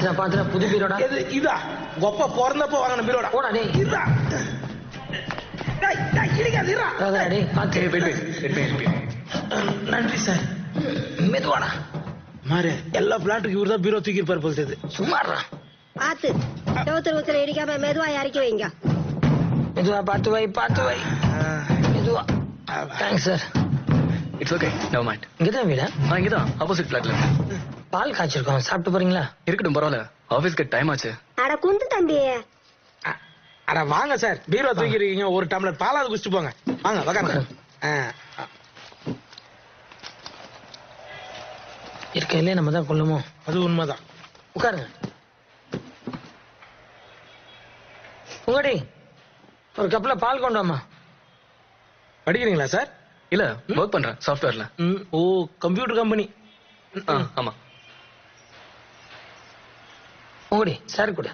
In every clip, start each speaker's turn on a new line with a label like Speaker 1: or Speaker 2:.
Speaker 1: பாத்துற புது பீரோடா.
Speaker 2: இதா கொப்ப பிறந்தப்ப வாங்கின பீரோடா.
Speaker 1: போடா டேய்.
Speaker 2: இருடா. டேய் இடிக்காத இருடா.
Speaker 1: டேய் பாத்து.
Speaker 2: நன்றி சார்.
Speaker 1: மெதுவாடா.
Speaker 2: மாறு எல்லா பிளாட்டுக்கு இவர் தான் பீரோ தூக்கி இருப்பார் போல்றது.
Speaker 1: சும்மாறா.
Speaker 3: பாத்து செவத்துல இடிக்காம மெதுவா இறக்கி வைங்க.
Speaker 1: மெதுவா பாத்து வை மெதுவா. Thanks sir.
Speaker 4: It's okay, never mind.
Speaker 1: இங்கதான் வீடா?
Speaker 4: இங்கதான் ஆப்போசிட் பிளாட்ல.
Speaker 1: பால் காய்ச்சிருக்கோம், சாப்பிட்டு போறீங்களா?
Speaker 4: இருக்கட்டும், பரவாயில்ல, ஆபீஸ்க்கு டைம் ஆச்சு.
Speaker 3: அட குந்து தம்பி.
Speaker 2: அட வாங்க சார், பீரோ தூக்கி இருக்கீங்க, ஒரு டம்ளர் பாலாவது குடிச்சிட்டு போங்க. வாங்க உட்காருங்க.
Speaker 1: இருக்கையிலே நம்ம தான் கொள்ளுமோ?
Speaker 2: அது உண்மைதான்.
Speaker 1: உட்காருங்க. உங்கடி ஒரு கப்ல பால் கொண்டு வாமா.
Speaker 2: படிக்கிறீங்களா சார்?
Speaker 4: இல்ல, ஒர்க் பண்றேன் சாஃப்ட்வேர்ல.
Speaker 2: ஓ, கம்ப்யூட்டர் கம்பெனி.
Speaker 4: ஆமா.
Speaker 1: உங்கடி சார் கொடு.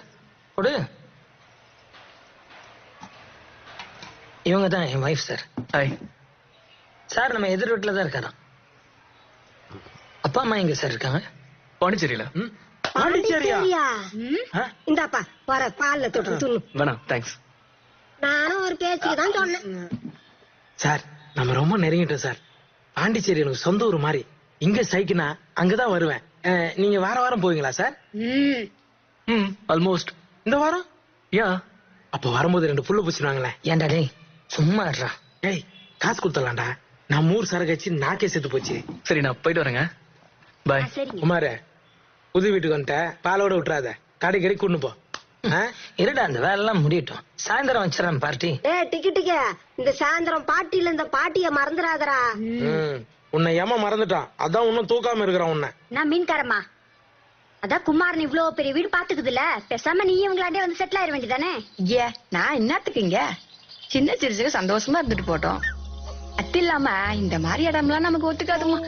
Speaker 1: இவங்க தான் என் வைஃப் சார்.
Speaker 4: Hi
Speaker 1: sir. நம்ம எதிர் வீட்டுல தான் இருக்காராம். அப்பா அம்மா எங்க சார் இருக்காங்க?
Speaker 4: பாண்டிச்சேரியில.
Speaker 2: பாண்டிச்சேரியா?
Speaker 3: இந்தாப்பா வர பால்ல தொட்டு துண்ணு.
Speaker 4: வேணாம், தேங்க்ஸ்.
Speaker 3: நானும் ஒரு பேச்சுக்கு தான் சொன்னேன்.
Speaker 2: சார் நம்ம ரொம்ப நெருங்கிட்டோம் சார். பாண்டிச்சேரி எனக்கு சொந்த ஊர் மாதிரி. இங்க சைக்கினா அங்கதான் வருவேன். நீங்க வாரம் போவீங்களா சார்?
Speaker 4: ஆல்மோஸ்ட்.
Speaker 2: இந்த வாரம்?
Speaker 4: யா.
Speaker 2: அப்ப வரும்போது 2 புல்லு பூச்சிடுவாங்களே.
Speaker 1: ஏன்டா டேய் சும்மா இருடா.
Speaker 2: டேய் காசு கொடுத்துடலாம்டா. நான் 3 சரகச்சு நாக்கே செத்து போச்சு.
Speaker 4: சரி, நான் போயிட்டு வரேங்க. பாய்.
Speaker 2: குமார, புது வீட்டுக்கு வந்துட்ட, பாலோட விட்டுறாத, கடைக்கடி கொண்டு போ.
Speaker 1: இருடா, அந்த வேலை எல்லாம் முடியட்டும். சாயந்தரம் வச்சிடறேன் பார்ட்டி.
Speaker 3: டிக்கெட்டுக்க இந்த சாயந்தரம் பாட்டியில இந்த பாட்டிய மறந்துடாதரா.
Speaker 2: உன்னை ஏமா மறந்துட்டான், அதான் இன்னும் தூக்காம இருக்கிறான் உன்னை.
Speaker 5: நான் மீன்காரமா, அதான் குமாரன் இவ்வளவு பெரிய வீடு பாத்துக்குதுல, பேசாம நீ இவங்களாண்டே வந்து செட்டில் ஆயிட வேண்டியதானே?
Speaker 6: நான் என்னத்துக்கு இங்க சின்ன சிறுசுக்கு சந்தோஷமா இருந்துட்டு போட்டோம். அது இல்லாம இந்த மாதிரி இடம்லாம் நமக்கு ஒத்துக்காதுமா.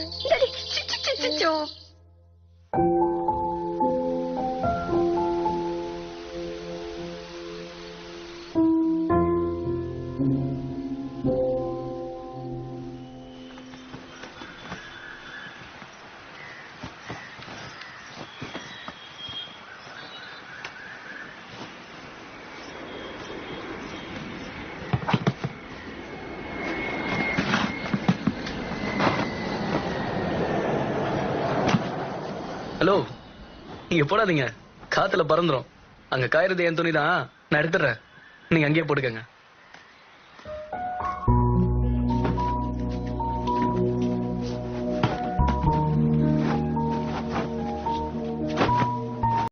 Speaker 4: ஹலோ, நீங்க போடாதீங்க, காத்துல பறந்துரும். அங்க காயறது என் துணி தான், நான் எடுத்துறேன். நீங்க அங்கேயே போட்டுக்கங்க.